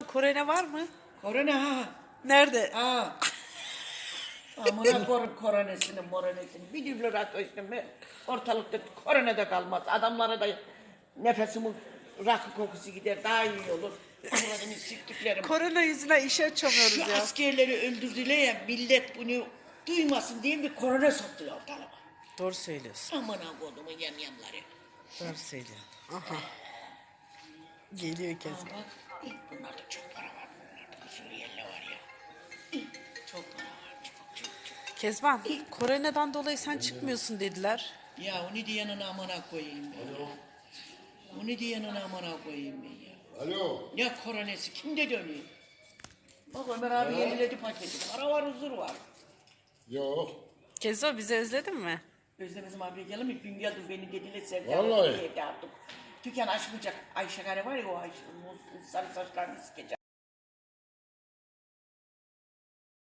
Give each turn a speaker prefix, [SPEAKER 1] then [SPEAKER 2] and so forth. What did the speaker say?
[SPEAKER 1] korona var mı?
[SPEAKER 2] Korona ha.
[SPEAKER 1] Nerede?
[SPEAKER 2] Ha. Amına korum koronesini moronesini. Bir dübler atmıştım ben. Ortalıkta korona da kalmaz. Adamlara da nefesimin rakı kokusu gider. Daha iyi olur. Avradını siktiklerim.
[SPEAKER 1] Korona yüzünden işe açamıyoruz
[SPEAKER 2] Şu
[SPEAKER 1] ya.
[SPEAKER 2] askerleri öldürdüler ya millet bunu duymasın diye bir korona soktular ortalığa.
[SPEAKER 1] Doğru söylüyorsun.
[SPEAKER 2] Amına kodumun yamyamları.
[SPEAKER 1] Doğru söylüyorsun. Aha. Geliyor Kezban.
[SPEAKER 2] Bak bunlarda çok para var. Bunlarda bu Suriyeliler var ya. Çok para var. Çok.
[SPEAKER 1] Kezban, koronadan dolayı sen çıkmıyorsun dediler.
[SPEAKER 2] Ya onu diyenin amına koyayım ben. Onu diyenin amına koyayım ben ya.
[SPEAKER 3] Alo.
[SPEAKER 2] Ne koronası kimde dönüyor? Bak Ömer abi yeniledi paketi. Para var huzur var.
[SPEAKER 3] Yok.
[SPEAKER 1] Kezban bizi özledin mi?
[SPEAKER 2] Özlemezim abiye gelir mi? Dün geldim beni dediler sevdi.
[SPEAKER 3] Vallahi.
[SPEAKER 2] Evde artık. Dükkan açmayacak. Ayşe Kare var ya o Ayşe. Sarı saçlarını sikecek.